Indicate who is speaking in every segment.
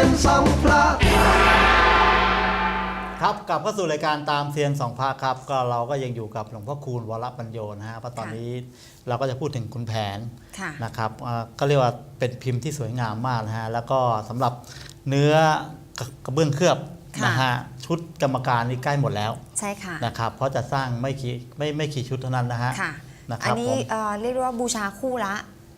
Speaker 1: ยนสองพระ
Speaker 2: ครับกลับเข้าสู่รายการตามเซียนสองพระครับก็เราก็ยังอยู่กับหลวงพ่อคูณวรปัญโยนะฮะเพราะตอนนี้เราก็จะพูดถึงคุณแผนนะครับก็เรียกว่าเป็นพิมพ์ที่สวยงามมากนะฮะแล้วก็สำหรับเนื้อกระเบื้องเคลือบนะฮะชุดกรรมการนี่ใกล้หมดแล้ว
Speaker 3: ใช่ค่ะ
Speaker 2: นะครับเพราะจะสร้างไม่กี่ชุดเท่านั้นนะฮะ
Speaker 3: อันนี้เรียกว่าบูชาคู่ละ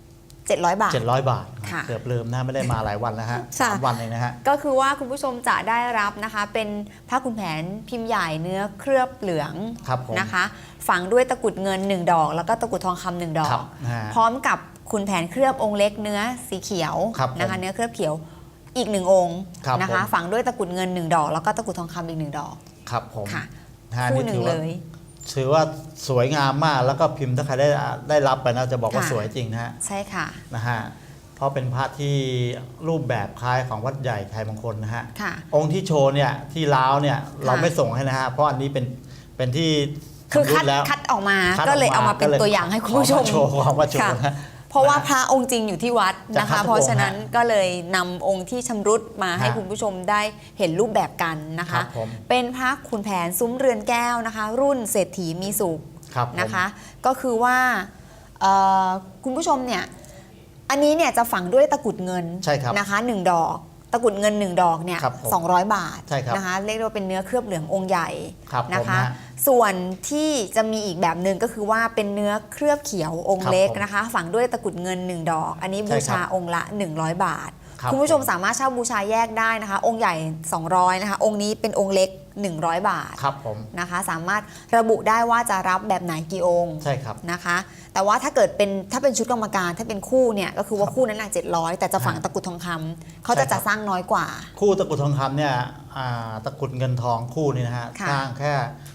Speaker 3: 700 บาท
Speaker 2: 700 บาทเกือบลืมนะไม่ได้มาหลายวันแล้วฮะ3 วันเองนะฮะ
Speaker 3: ก็คือว่าคุณผู้ชมจะได้รับนะคะเป็นผ้าขุนแผนพิมพ์ใหญ่เนื้อเคลือบเหลืองนะคะฝังด้วยตะกุดเงิน1 ดอกแล้วก็ตะกุดทองคำ1 ดอกพร้อมกับขุนแผนเคลือบองค์เล็กเนื้อสีเขียวนะคะเนื้อเคลือบเขียวอีก1 องค์นะคะฝังด้วยตะกุดเงิน1 ดอกแล้วก็ตะกุดทองคำอีก1 ดอก
Speaker 2: ครับผม
Speaker 3: คู่หนึ่งเลย
Speaker 2: ถือว่าสวยงามมากแล้วก็พิมพ์ถ้าใครได้รับไปนะจะบอกว่าสวยจริงนะฮะ
Speaker 3: ใช่ค่ะ
Speaker 2: นะฮะเพราะเป็นพระที่รูปแบบคล้ายของวัดใหญ่ชัยมงคลนะฮะองค์ที่โชว์เนี่ยที่ล้าวเนี่ยเราไม่ส่งให้นะฮะเพราะอันนี้เป็นที่
Speaker 3: คือคัดออกมาก็เลยเอามาเป็นตัวอย่างให้คุณผู้ชม
Speaker 2: โชว์ของมาโชว์นะ
Speaker 3: เพราะว่าพระองค์จริงอยู่ที่วัดนะคะเพราะฉะนั้นก็เลยนำองค์ที่ชำรุดมาให้คุณผู้ชมได้เห็นรูปแบบกันนะคะเป็นพระขุนแผนซุ้มเรือนแก้วนะคะรุ่นเศรษฐีมีสุขนะคะก็คือว่าคุณผู้ชมเนี่ยอันนี้เนี่ยจะฝังด้วยตะกุดเงินนะคะ1 ดอกตะกุดเงิน1 ดอกเนี่ย200 บาทนะคะเรียกว่าเป็นเนื้อเคลือบเหลืององค์ใหญ่นะคะส่วนที่จะมีอีกแบบหนึ่งก็คือว่าเป็นเนื้อเคลือบเขียวองค์เล็กนะคะฝังด้วยตะกุดเงิน1 ดอกอันนี้บูชาองค์ละ100 บาทคุณผู้ชมสามารถเช่าบูชาแยกได้นะคะองค์ใหญ่200นะคะองค์นี้เป็นองค์เล็ก100 บาทนะคะสามารถระบุได้ว่าจะรับแบบไหนกี่องค์นะคะแต่ว่าถ้าเป็นชุดกรรมการถ้าเป็นคู่เนี่ยก็คือว่าคู่นั้น700แต่จะฝังตะกุดทองคำเขาจะสร้างน้อยกว่า
Speaker 2: คู่ตะกุดทองคำเนี่ยตะกุดเงินทองคู่นี่นะฮะสร้างแค่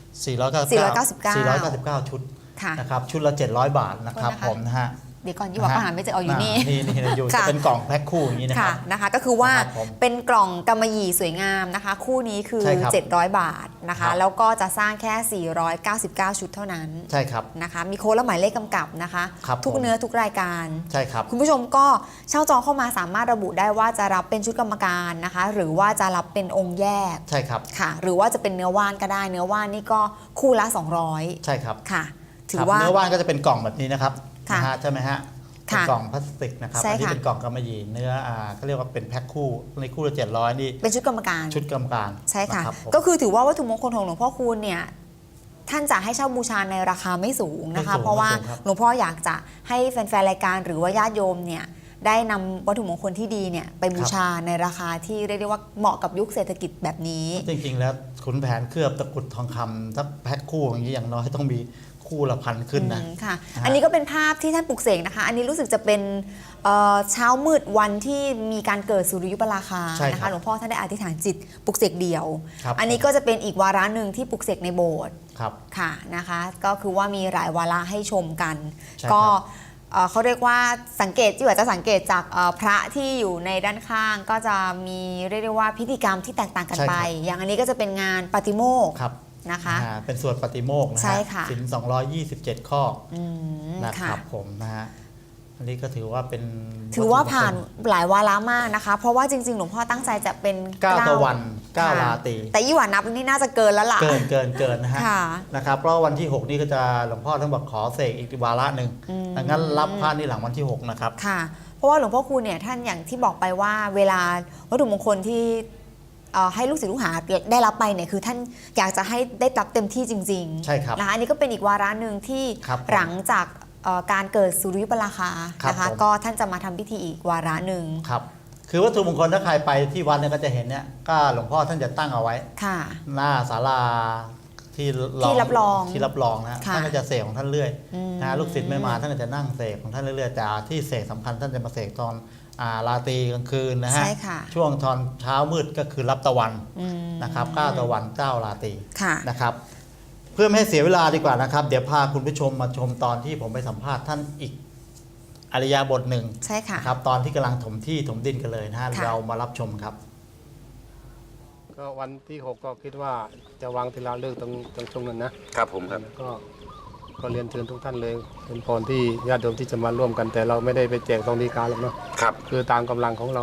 Speaker 2: 499ชุดนะครับชุดละ700 บาทนะครับผมนะฮะ
Speaker 3: เดี๋ยวก่อนยี่ว่าปัญหาไม่จะเอาอยู่นี่
Speaker 2: อยู่จะเป็นกล่องแพ็คคู่อย่างนี้
Speaker 3: นะคะก็คือว่าเป็นกล่องกำมะหยี่สวยงามนะคะคู่นี้คือ700 บาทนะคะแล้วก็จะสร้างแค่499ชุดเท่านั้น
Speaker 2: ใช่ครับ
Speaker 3: นะคะมีโค้ดและหมายเลขกำกับนะคะทุกเนื้อทุกรายการ
Speaker 2: ใช่ครับ
Speaker 3: คุณผู้ชมก็เช่าจองเข้ามาสามารถระบุได้ว่าจะรับเป็นชุดกรรมการนะคะหรือว่าจะรับเป็นองค์แยก
Speaker 2: ใช่ครับ
Speaker 3: ค่ะหรือว่าจะเป็นเนื้อว่านก็ได้เนื้อว่านนี่ก็คู่ละ200
Speaker 2: ใช่ครับ
Speaker 3: ค่ะถือว่า
Speaker 2: เนื้อว่านก็จะเป็นกล่องแบบนี้นะครับใช่ไหมฮะเป็นกล่องพลาสติกนะครับอันนี้เป็นกล่องกำมะหยี่เนื้อเขาเรียกว่าเป็นแพ็คคู่ในคู่ละ700นี่
Speaker 3: เป็นชุดกรรมการใช่ค่ะก็คือถือว่าวัตถุมงคลของหลวงพ่อคูณเนี่ยท่านจะให้เช่าบูชาในราคาไม่สูงนะคะเพราะว่าหลวงพ่ออยากจะให้แฟนๆรายการหรือว่าญาติโยมเนี่ยได้นำวัตถุมงคลที่ดีเนี่ยไปบูชาในราคาที่เรียกได้ว่าเหมาะกับยุคเศรษฐกิจแบบนี้
Speaker 2: จริงๆแล้วขุนแผนเคลือบตะกุดทองคำถ้าแพ็คคู่อย่างนี้อย่างน้อยต้องมีคู่ละพันขึ้นนะ
Speaker 3: ค่ะอันนี้ก็เป็นภาพที่ท่านปลุกเสกนะคะอันนี้รู้สึกจะเป็นเช้ามืดวันที่มีการเกิดสุริยุปราคานะคะหลวงพ่อท่านได้อธิษฐานจิตปลุกเสกเดียวอันนี้ก็จะเป็นอีกวาระหนึ่งที่ปลุกเสกในโบสถ์ค่ะนะคะก็คือว่ามีหลายวาระให้ชมกันก็เขาเรียกว่าสังเกตที่ว่าจะสังเกตจากพระที่อยู่ในด้านข้างก็จะมีเรียกได้ว่าพิธีกรรมที่แตกต่างกันไปอย่างอันนี้ก็จะเป็นงานปาฏิโมกข์นะคะ
Speaker 2: เป็นสวดปฏิโมกข์นะฮะศีล227 ข้อนะครับผมนะฮะอันนี้ก็ถือว่า
Speaker 3: ผ่านหลายวาระมากนะคะเพราะว่าจริงๆหลวงพ่อตั้งใจจะเป็น
Speaker 2: 9 ตะวัน9 ราตรี
Speaker 3: แต่ยี่หว่านับนี่น่าจะเกินแล้วล่ะ
Speaker 2: เกินนะฮะนะครับเพราะวันที่6นี่ก็จะหลวงพ่อต้องบอกขอเสกอีกวาระหนึ่งดังนั้นรับพระนี่หลังวันที่6นะครับ
Speaker 3: ค่ะเพราะว่าหลวงพ่อคูณเนี่ยท่านอย่างที่บอกไปว่าเวลาวัตถุมงคลที่ให้ลูกศิษย์ลูกหาได้รับไปเนี่ยคือท่านอยากจะให้ได้รับเต็มที่จริงๆ
Speaker 2: ใช่ครับ
Speaker 3: นะคะอันนี้ก็เป็นอีกวาระหนึ่งที่หลังจากการเกิดสุริยุปราคานะคะก็ท่านจะมาทำพิธีอีกวาระหนึ่ง
Speaker 2: ครับคือวัตถุมงคลถ้าใครไปที่วัดเนี่ยก็จะเห็นเนี่ยก็หลวงพ่อท่านจะตั้งเอาไว้หน้าศาลาที่
Speaker 3: รับร
Speaker 2: องนะท่านก็จะเสกของท่านเรื่อยนะลูกศิษย์ไม่มาท่านก็จะนั่งเสกของท่านเรื่อยๆแต่ที่เสกสำคัญท่านจะมาเสกตอนราตรีกลางคืนนะฮะช่วงตอนเช้ามืดก็คือรับตะวันนะครับ9 ตะวัน9 ราตรีนะครับเพื่อไม่ให้เสียเวลาดีกว่านะครับเดี๋ยวพาคุณผู้ชมมาชมตอนที่ผมไปสัมภาษณ์ท่านอีกอริยบทหนึ่งครับตอนที่กำลังถมที่ถมดินกันเลยนะฮะเรามารับชมครับ
Speaker 4: ก็วันที่6ก็คิดว่าจะวางศิลาฤกษ์ตรงช่วงนั้น
Speaker 5: ครับผมครับ
Speaker 4: ก็เรียนเชิญทุกท่านเลยเป็นพรที่ญาติโยมที่จะมาร่วมกันแต่เราไม่ได้ไปแจกตรงดีการหรอกเนาะ
Speaker 5: ครับ
Speaker 4: คือตามกำลังของเรา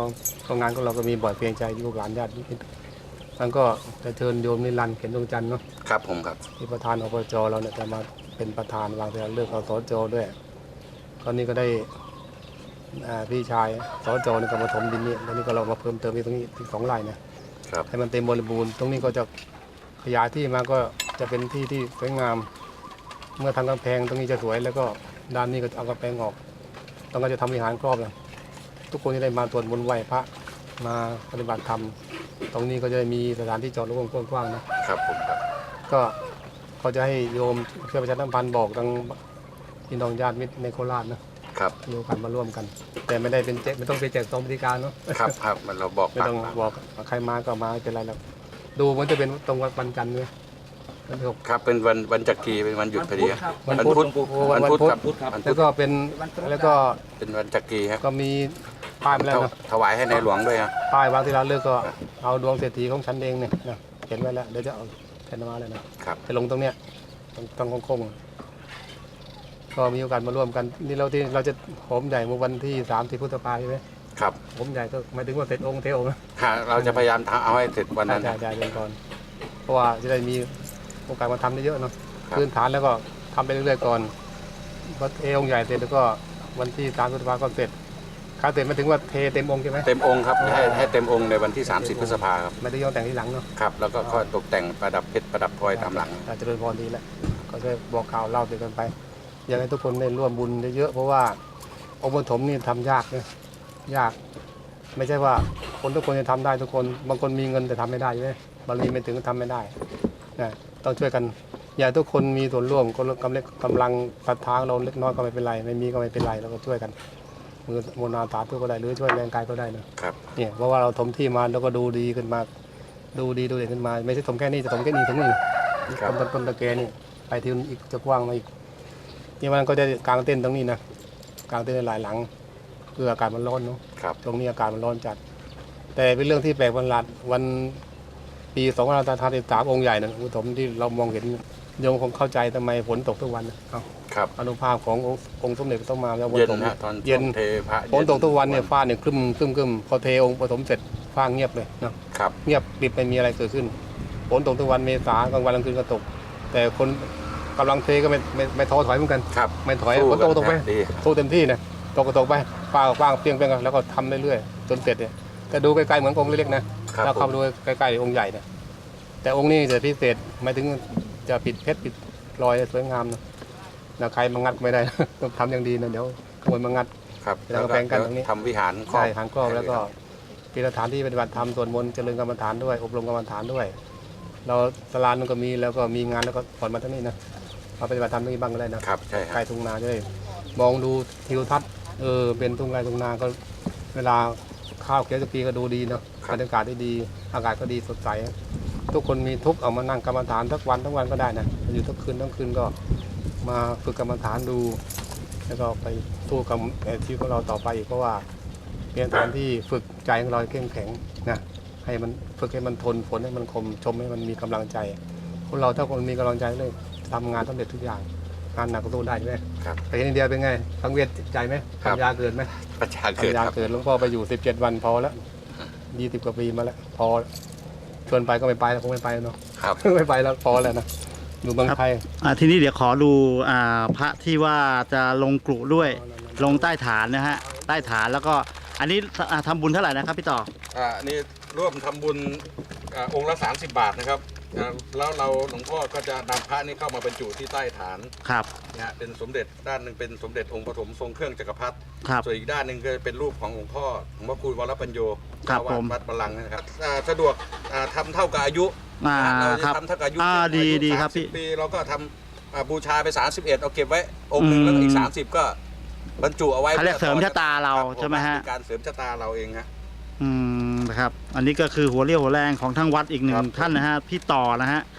Speaker 4: ก็งานของเราก็มีบ่อยเพียงใจลูกหลานญาติมิตรท่านก็จะเชิญโยมนิรันดร์เข็นดวงจันทร์เนาะ
Speaker 1: ครับผมครับ
Speaker 4: ที่ประธานอบจเราเนี่ยจะมาเป็นประธานวางศิลาฤกษ์เอาสจด้วยก็นี่ก็ได้พี่ชายสจนี่ก็มาถมดินนี่แล้วนี่ก็เรามาเพิ่มเติมอีกตรงนี้ที่2 ไร่เนี่ยให้มันเต็มบริบูรณ์ตรงนี้ก็จะขยายที่มาก็จะเป็นที่ที่สวยงาม เมื่อทำกำแพงตรงนี้จะสวยแล้วก็ด้านนี้ก็เอากำแพงออกต้องก็จะทำวิหารครอบเลยทุกคนที่ได้มาตรวจมนต์ไหว้พระมาปฏิบัติธรรมตรงนี้ก็จะมีสถานที่จอดรถกว้างๆนะครับ
Speaker 1: ผมครับ
Speaker 4: ก็เขาจะให้โยมช่วยประชาสัมพันธ์บอกทางพี่น้องญาติมิตรในโคราชนะครับ มีโอกาสมาร่วมกัน แต่ไม่ได้เป็นแจกไม่ต้องไปแจกซองบริการเนาะ
Speaker 1: ครับครับมันเราบอก
Speaker 4: ไม่ต้องบอกใครมาก็มาไม่เป็นไรแล้วดูมันจะเป็นตรงวันจันทร์เลยวันที่ 6
Speaker 1: ครับเป็นวันจักรีเป็นวันหยุดพอดีครับ
Speaker 4: วัน
Speaker 1: วัน
Speaker 4: พุ
Speaker 1: พุ
Speaker 4: ธ
Speaker 1: ธวันพุธครับวัน
Speaker 4: แล้
Speaker 1: พุ
Speaker 4: ว
Speaker 1: ธ
Speaker 4: ก็เป็นแล้วก็
Speaker 1: เป็นวันจักรีครับ
Speaker 4: ก็มีป้ายมาแล้วนะ
Speaker 1: ถวายให้ในหลวงด้วยครับ
Speaker 4: ป้ายวางที่ร้านเลือกก็เอาดวงเศรษฐีของฉันเองเนี่ยนะเขียนไว้แล้วเดี๋ยวจะเอาแผ่นมาเลยนะครับ ไปลงตรงเนี้ยตรงโค้งๆก็มีโอกาสมาร่วมกันนี่เราจะโหมใหญ่เมื่อวันที่30 พฤษภาคมใช่ไหม
Speaker 1: ครับ
Speaker 4: โหมใหญ่ก็หมายถึงว่าเสร็จองค์เทองค์นะ
Speaker 1: เราจะพยายามเอาให้เสร็จวันนั้น
Speaker 4: ใช่เดือนก่อนเพราะว่าจะได้มีโอกาสมาทำได้เยอะเนาะ
Speaker 1: ครับ
Speaker 4: พื้นฐานแล้วก็ทำไปเรื่อยๆก่อนพอเทองค์ใหญ่เสร็จแล้วก็วันที่30 พฤษภาคมก็เสร็จข้าเสร็จมาถึงว่าเทเต็มองค์ใช่ไหม
Speaker 1: เต็มองค์ครับให้เต็มองค์ในวันที่ 30 พฤษภาครับ
Speaker 4: ไม่ได้ย้อนแต่งที่หลังเนาะ
Speaker 1: ครับแล้วก็ค่อยตกแต่งประดับเพชรประดับพลอยตามหลัง
Speaker 4: อาจจะเป็นพรดีแหละก็จะบอกข่าวเล่าไปกันไป อยากให้ทุกคนได้ร่วมบุญเยอะๆเพราะว่าองค์ปฐมนี่ทำยากเนี่ยยาก ไม่ใช่ว่าคนทุกคนจะทำได้ทุกคนบางคนมีเงินแต่ทำไม่ได้ใช่ไหมบารมีไม่ถึงก็ทำไม่ได้นะต้องช่วยกันอย่าทุกคนมีส่วนร่วมคนกำลังศรัทธาเราเล็กน้อยก็ไม่เป็นไรไม่มีก็ไม่เป็นไรเราก็ช่วยกันมือโมนาสาธุก็ได้หรือช่วยแรงกายก็ได้นะครับ เนี่ยเพราะว่าเราถมที่มาแล้วก็ดูดีขึ้นมาดูเด่นขึ้นมา ไม่ใช่ถมแค่นี้จะถมแค่นี้ถึงนี่
Speaker 1: ครับ
Speaker 4: ต้นตะแกนี่ไปที่อีกจะกว้างมาอีกนี่มันก็จะกางเต้นตรงนี้นะกางเต้นหลายหลังเพื่ออากาศมันร้อนเนาะ
Speaker 1: ครับ
Speaker 4: ตรงนี้อากาศมันร้อนจัด แต่เป็นเรื่องที่แปลกประหลาดวันปี2553องค์ใหญ่นะอุทมที่เรามองเห็นโยมคงเข้าใจทำไมฝนตกทุกวันนะเอ้า
Speaker 1: ครับ
Speaker 4: อนุภาพขององค์สมเด็จพระต้องมาแล้ว
Speaker 1: เย็น
Speaker 4: ตก
Speaker 1: ฮะตอน
Speaker 4: เย็น
Speaker 1: เทพระ
Speaker 4: ฝนตกทุกวันเนี่ยฟ้าเนี่ยครึมพอเทองค์ปฐมเสร็จฟ้าเงียบเลยเนาะ
Speaker 1: ครับ
Speaker 4: เงียบปิดไม่มีอะไรเกิดขึ้นฝนตกทุกวันเมษากลางวันกลางคืนก็ตก แต่คนกำลังเทก็ไม่ท้อถอยเหมือนกัน
Speaker 1: ครับ
Speaker 4: ไม่ถอย
Speaker 1: สู้
Speaker 4: ฝนตกไป
Speaker 1: ดี
Speaker 4: สู้เต็มที่นะตกก็ตกไปฟ้าก็ฟ้าเปรี้ยงแล้วก็ทำเรื่อยๆจนเสร็จเนี่ยแต่ดูใกล้ๆเหมือนองค์เล็กๆนะครับ แล้วเข้าไปดูใกล้ๆองค์ใหญ่เนี่ยแต่องค์นี้จะพิเศษหมายถึงจะปิดเพชรปิดรอยสวยงามนะใครมางัดไม่ได้ ต้องทำอย่างดีนะเดี๋ยวขโมยมางัด
Speaker 1: ครับ
Speaker 4: แล้วก็แบ่งกันตรงนี้
Speaker 1: ทำวิหารครอบ
Speaker 4: ใช่หางกรอบแล้วก็เป็นสถานที่ปฏิบัติธรรมสวดมนต์เจริญกรรมฐานด้วยอบรมกรรมฐานด้วย เราตลาดมันก็มีแล้วก็มีงานแล้วก็ผ่อนมาทั้งนี้นะมาปฏิบัติธรรมตรงนี้บ้างก็ได้นะครับ
Speaker 1: ใช่ค
Speaker 4: ใกล้
Speaker 1: รับ
Speaker 4: ทุ่งนาจะได้มองดูทิวทัศน์เป็นทุ่งไร่ทุ่งนาก็เวลาข้าวเขียวจะปีก็ดูดีเนาะบรรยากาศได้ดีอากาศก็ดีสดใสทุกคนมีทุกข์เอามานั่งกรรมฐานทั้งวันก็ได้นะอยู่ทั้งคืนก็มาฝึกกรรมฐานดู แล้วก็ไปสู้กับชีวิตของเราต่อไปอีกเพราะว่าเป็นสถานที่ฝึกใจของเราให้เข้มแข็งนะให้มันฝึกให้มันทนฝนให้มันคมชมให้มันมีกำลังใจคนเราถ้าคนมีกำลังใจเลยทำงานสำเร็จทุกอย่างงานหนักก็สู้ได้ใช่ไหม
Speaker 1: ครับ
Speaker 4: ไปเห็นอินเดียเป็นไงสังเวียนใจไหม
Speaker 1: ครับ
Speaker 4: ทำยาเกิดไหม
Speaker 1: ประชาเกิด
Speaker 4: ทำยา
Speaker 1: ครับ
Speaker 4: เกิดหลวงพ่อไปอยู่17 วันพอแล้ว20 กว่าปีมาแล้วพอชวนไปก็ไม่ไปแล้วคงไม่ไปแล้วเนาะ
Speaker 1: ครับ
Speaker 4: ไม่ไปแล้วพอแล้วนะอยู่เมืองไทย
Speaker 2: ทีนี้เดี๋ยวขอดูพระที่ว่าจะลงกรุด้วย ลงใต้ฐานนะฮะใต้ฐานแล้วก็อันนี้ทำบุญเท่าไหร่นะครับพี่ต่อ
Speaker 1: นี่ร่วมทำบุญองค์ละ30 บาทนะครับแล้วเราหลวงพ่อก็จะนำพระนี่เข้ามาบรรจุที่ใต้ฐาน
Speaker 2: ครับ
Speaker 1: นะฮะเป็นสมเด็จด้านหนึ่งเป็นสมเด็จองค์ปฐมทรงเครื่องจักรพรรดิ
Speaker 2: ครับ
Speaker 1: ส่วนอีกด้านหนึ่งก็เป็นรูปของหลวงพ่อหลวงพ่อคูณวรปัญโย
Speaker 2: ครับ
Speaker 1: เจ้าวาด
Speaker 2: ผม
Speaker 1: วัดบาลังก์นะครับสะดวกทำเท่ากับอายุ เรา
Speaker 2: ค
Speaker 1: จะ
Speaker 2: รับ
Speaker 1: ทำเท่ากับอายุ
Speaker 2: ดีครับพี่
Speaker 1: 30 ปีเราก็ทำบูชาไป31เอาเก็บไว้องค์หนึ่งแล้วก็อีก30ก็บรรจุเอาไว้
Speaker 2: เขาเรียกเสริมชะตาเรา
Speaker 1: คบ
Speaker 2: ใช่ไหมฮะ
Speaker 1: เป็นการเสริมชะตาเราเองฮะ
Speaker 2: นะครับอันนี้ก็คือหัวเรี่ยวหัวแรงของทั้งวัดอีกหนึ่
Speaker 1: ครั
Speaker 2: ง
Speaker 1: บ
Speaker 2: ท่านนะฮะพี่ต่อนะฮะ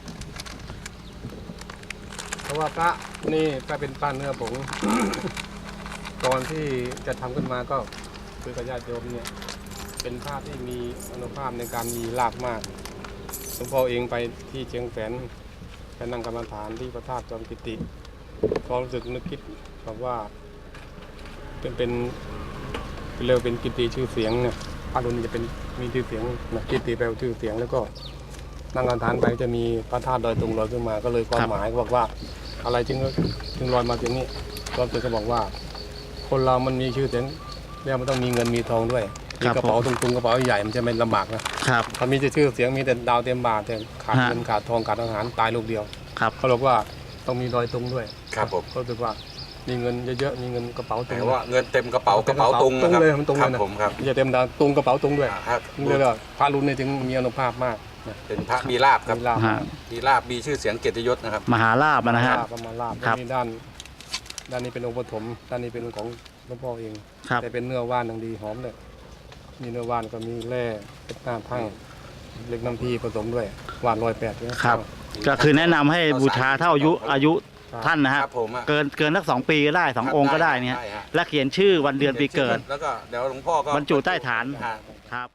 Speaker 4: เพราะว่าพระนี่ก็เป็นป้าเนื้อผง ตอนที่จะทำขึ้นมาก็คือกับญาติโยมเนี่ยเป็นภาพที่มีอนุภาพในการมีรากมากหลวงพ่อเองไปที่เชียงแสนไปนั่งกรรมฐานที่พระธาตุจอมกิติก็รู้สึกนึกคิดแบบว่าเป็นเรียกเป็นกิตติชื่อเสียงเนี่ยพระรุ่นนี้จะเป็นมีชื่อเสียงนะกิตติแปลว่าชื่อเสียงแล้วก็นั่งกรรมฐานไปจะมีพระธาตุดอยตุงลอยขึ้นมาก็เลยความหมายบอกว่าอะไรจึงลอยมาอย่างนี้ก็เป็นจะบอกว่า คนเรามันมีชื่อเสียงแล้วมันต้องมีเงินมีทองด้วยมีกระเป๋าตุงๆกระเป๋าใหญ่มันจะไม่ลำบากนะครับถ้ามีชื่อเสียงมีแต่ดาวเต็มบาทแต่ขาดเงินขาดทองขาดอาหารตายลูกเดียวเขาบอกว่าต้องมีดอยตุงด้วยครับผมก็รู้สึกว่ามีเงินเยอะๆมีเงินกระเป๋าตุง
Speaker 1: ว่าเงินเต็มกระเป๋าตุงนะครับ
Speaker 4: เลยมันตุงเลยนะ
Speaker 1: ผมครับ
Speaker 4: จะเต็มดาวตุงกระเป๋าตุงด้วยเลยว่าพระรุ่นนี้จึงมีอานุภาพมาก
Speaker 1: เป็นพระมีลาภครับมีลาภมีชื่อเสียงเกียรติยศนะครับ
Speaker 2: มหาลาภนะฮะ
Speaker 4: มหาลาภมีด้านนี้เป็นองค์ปฐมด้านนี้เป็นของหลวงพ่อเองแต่เป็นเนื้อว่านอย่างดีหอมเลยมีเนื้อว่านก็มีแร่เป็นน้ำทั้งเล็กน้ำพีผสมด้วยว่าน108
Speaker 2: ครับก็คือแนะนำให้บูชาเท่าอายุท่านนะฮะเกินสัก2 ปีก็ได้2 องค์ก็ได้เนี่ยและเขียนชื่อวันเดือนปีเกิด
Speaker 1: แล้วก็เดี๋ยวหลวงพ่อก็
Speaker 2: บรรจุใต้ฐานครับ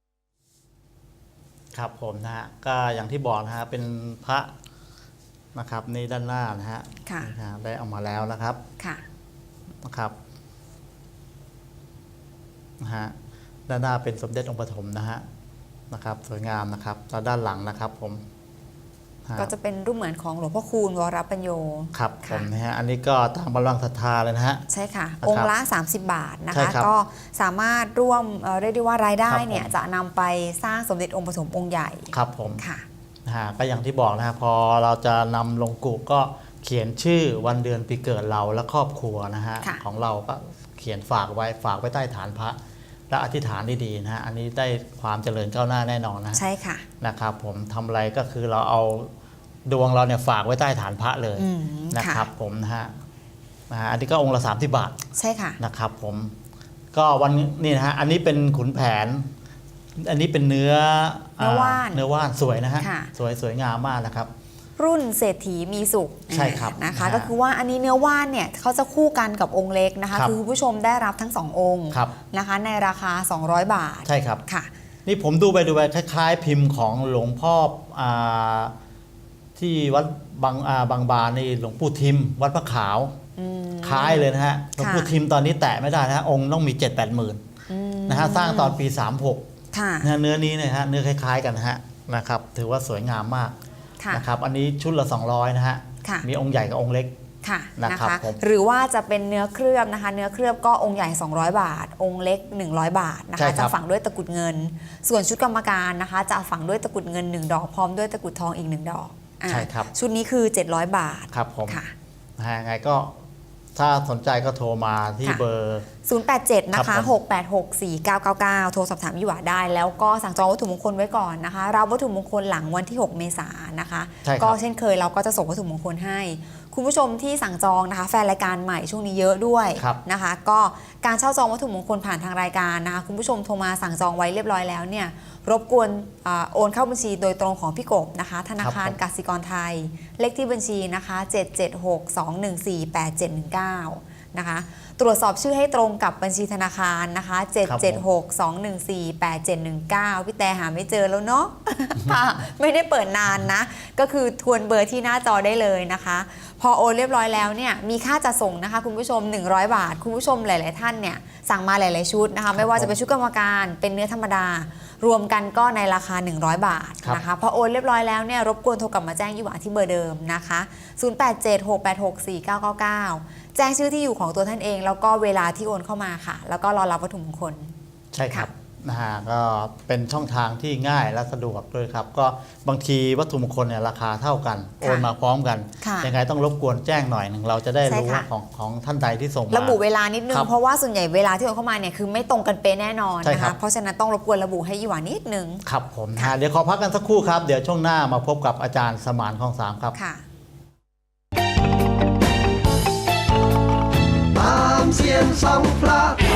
Speaker 2: ครับผมนะฮะก็อย่างที่บอกนะฮะเป็นพระนะครับนี่ด้านหน้านะฮะได้เอามาแล้วนะครับนะครับนะฮะด้านหน้าเป็นสมเด็จองค์ปฐมนะครับสวยงามนะครับแล้วด้านหลังนะครับผม
Speaker 3: ก็จะเป็นรูปเหมือนของหลวงพ่อคูณวรปัญโย
Speaker 2: ครับผมนะฮะอันนี้ก็ตามกำลังศรัทธาเลยนะฮะ
Speaker 3: ใช่ค่ะองค์ละ30 บาทนะคะก็สามารถร่วมเรียกได้ว่ารายได้เนี่ยจะนำไปสร้างสมเด็จองค์ปฐมองค์ใหญ่
Speaker 2: ครับผม
Speaker 3: ค่ะ
Speaker 2: ก็อย่างที่บอกนะฮะพอเราจะนำลงกุก็เขียนชื่อวันเดือนปีเกิดเราและครอบครัวนะฮะของเราก็เขียนฝากไว้ใต้ฐานพระและอธิษฐานดีๆนะฮะอันนี้ได้ความเจริญก้าวหน้าแน่นอนนะ
Speaker 3: ใช่ค่ะ
Speaker 2: นะครับผมทำอะไรก็คือเราเอาดวงเราเนี่ยฝากไว้ใต้ฐานพระเลยนะครับผมนะฮะอันนี้ก็องค์ละ30 บาท
Speaker 3: ใช่ค่ะ
Speaker 2: นะครับผมก็วันนี้นะฮะอันนี้เป็นขุนแผนอันนี้เป็นเนื้อว่านสวยนะฮะสวยงามมากนะครับ
Speaker 3: รุ่นเศรษฐีมีสุข
Speaker 2: ใช่ครับ
Speaker 3: นะคะก็คือว่าอันนี้เนื้อว่านเนี่ยเขาจะคู่กันกับองค์เล็กนะคะคือคุณผู้ชมได้รับทั้ง2 องค์นะคะในราคา200 บาท
Speaker 2: ใช่ครับ
Speaker 3: ค่ะ
Speaker 2: นี่ผมดูไปคล้ายๆพิมพ์ของหลวงพ่อที่วัดบางบานนี่หลวงปู่ทิมวัดพระขาวคล้ายเลยนะฮะหลวงปู่ทิมตอนนี้แตะไม่ได้นะฮะองค์ต้องมี 7-8 หมื่นนะฮะสร้างตอนปี36เนื้อนี้นะฮะเนื้อคล้ายๆกันนะฮะนะครับถือว่าสวยงามมากนะครับอันนี้ชุดละ200นะฮะมีองค์ใหญ่กับองค์เล็ก
Speaker 3: นะคะหรือว่าจะเป็นเนื้อเคลือบนะคะเนื้อเคลือบก็องค์ใหญ่200 บาทองค์เล็ก100 บาทนะคะจะฝังด้วยตะกุดเงินส่วนชุดกรรมการนะคะจะฝังด้วยตะกุดเงิน1 ดอกพร้อมด้วยตะกุดทองอีก1 ดอก
Speaker 2: ใช่ครับ
Speaker 3: ชุดนี้คือ700 บาท
Speaker 2: ครับผมยังไงก็ถ้าสนใจก็โทรมาที่เบอร์
Speaker 3: 087นะคะ6864999โทรสอบถามยี่หวาได้แล้วก็สั่งจองวัตถุมงคลไว้ก่อนนะคะรับวัตถุมงคลหลังวันที่6 เมษายนนะคะก็เช่นเคยเราก็จะส่งวัตถุมงคลให้คุณผู้ชมที่สั่งจองนะคะแฟนรายการใหม่ช่วงนี้เยอะด้วยนะคะก็การเช่าจองวัตถุมงคลผ่านทางรายการนะคะคุณผู้ชมโทรมาสั่งจองไว้เรียบร้อยแล้วเนี่ยรบกวนโอนเข้าบัญชีโดยตรงของพี่กบนะคะธนาคารกสิกรไทยเลขที่บัญชีนะคะ776214871นะคะตรวจสอบชื่อให้ตรงกับบัญชีธนาคารนะคะ776214871พี่แต่หาไม่เจอแล้วเนาะ ไม่ได้เปิดนานนะก็คือทวนเบอร์ที่หน้าจอได้เลยนะคะพอโอนเรียบร้อยแล้วเนี่ยมีค่าจัดส่งนะคะคุณผู้ชม100 บาทคุณผู้ชมหลายๆท่านเนี่ยสั่งมาหลายๆชุดนะคะไม่ว่าจะเป็นชุดกรรมการเป็นเนื้อธรรมดารวมกันก็ในราคา100 บาทนะคะพอโอนเรียบร้อยแล้วเนี่ยรบกวนโทรกลับมาแจ้งยี่หวาที่เบอร์เดิมนะคะ0876864999แจ้งชื่อที่อยู่ของตัวท่านเองแล้วก็เวลาที่โอนเข้ามาค่ะแล้วก็รอรับวัตถุมงคล
Speaker 2: ใช่ครับนะฮะก็เป็นช่องทางที่ง่ายและสะดวกด้วยครับก็บางทีวัตถุมงคลเนี่ยราคาเท่ากันโอนมาพร้อมกันยังไงต้องรบกวนแจ้งหน่อยหนึ่งเราจะได้รู้ว่าของท่านใดที่ส่งมา
Speaker 3: ระบุเวลานิดนึงเพราะว่าส่วนใหญ่เวลาที่โอนเข้ามาเนี่ยคือไม่ตรงกันเป๊ะแน่นอนนะคะเพราะฉะนั้นต้องรบกวนระบุให้ยี่หวานิดนึง
Speaker 2: ครับผมเดี๋ยวขอพักกันสักครู่ครับเดี๋ยวช่วงหน้ามาพบกับอาจารย์สมานคลอง 3ครับ
Speaker 5: ตามเสียงสองพระ